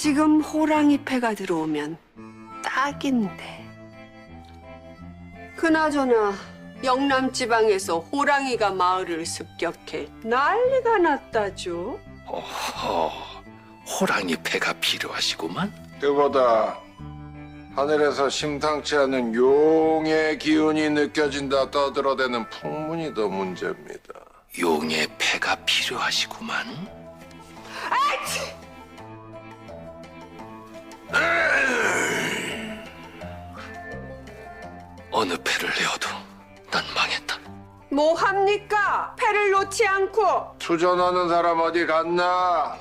지금 호랑이 패가 들어오면 딱인데. 그나저나 영남 지방에서 호랑이가 마을을 습격해 난리가 났다죠. 어허, 호랑이 패가 필요하시구만. 그보다 하늘에서 심상치 않은 용의 기운이 느껴진다 떠들어대는 풍문이 더 문제입니다. 용의 패가 필요하시구만. 어느 패를 내어도 난 망했다. 뭐 합니까? 패를 놓지 않고. 투전하는 사람 어디 갔나?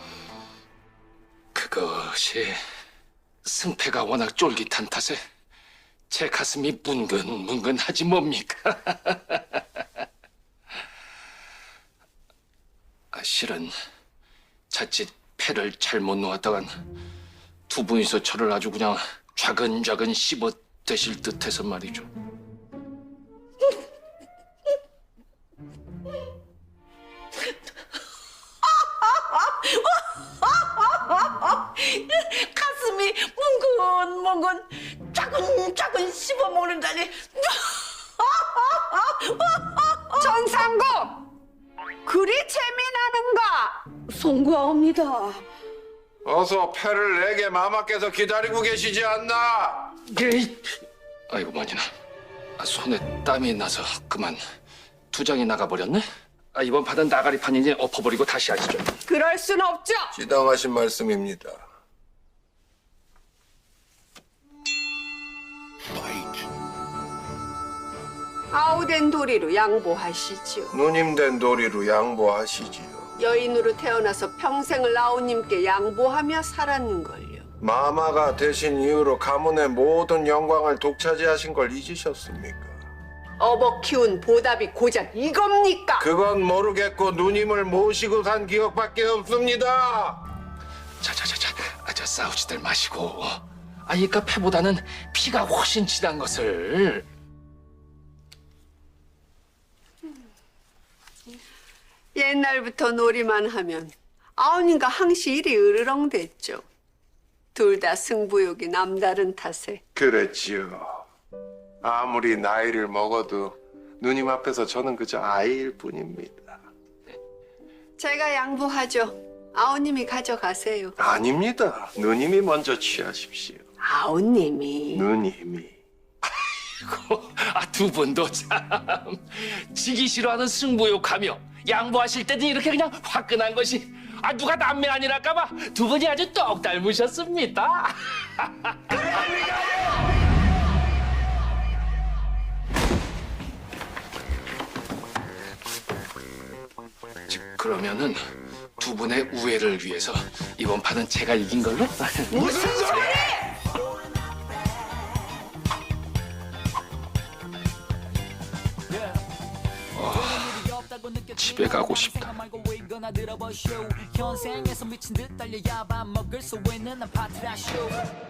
그것이 승패가 워낙 쫄깃한 탓에 제 가슴이 뭉근뭉근하지 뭡니까? 실은 자칫 패를 잘못 놓았다간 두 분이서 저를 아주 그냥 좌근좌근 씹어 드실 듯해서 말이죠. 가슴이 뭉근뭉근 짜근짜근 씹어먹는다니. 전상국! 그리 재미나는가? 송구하옵니다. 어서 패를 내게 마마께서 기다리고 계시지 않나? 아이고 머니나, 손에 땀이 나서 그만 두 장이 나가버렸네. 이번 판은 나가리판이니 엎어버리고 다시 하시죠. 그럴 순 없죠. 지당하신 말씀입니다. 아우된 도리로 양보하시지요. 누님 된 도리로 양보하시지요. 여인으로 태어나서 평생을 아우님께 양보하며 살았는걸요. 마마가 되신 이후로 가문의 모든 영광을 독차지하신 걸 잊으셨습니까? 어버 키운 보답이 고작 이겁니까? 그건 모르겠고 누님을 모시고 산 기억밖에 없습니다. 자자자자, 저 싸우지들 마시고. 이까 패보다는 피가 훨씬 진한 것을. 옛날부터 놀이만 하면 아우님과 항시 일이 으르렁댔죠. 둘 다 승부욕이 남다른 탓에. 그랬지요. 아무리 나이를 먹어도 누님 앞에서 저는 그저 아이일 뿐입니다. 제가 양보하죠. 아우님이 가져가세요. 아닙니다. 누님이 먼저 취하십시오. 아우님이. 누님이. 두 분도 참 지기 싫어하는 승부욕하며 양보하실 때도 이렇게 그냥 화끈한 것이 누가 남매 아니랄까봐 두 분이 아주 똑 닮으셨습니다. 그러면은 두 분의 우애를 위해서 이번 판은 제가 이긴 걸로? 무슨 소리! 집에 가고 싶다. 현생에서 미친 듯 달려야 밥 먹을 수 있는 아파트라 쇼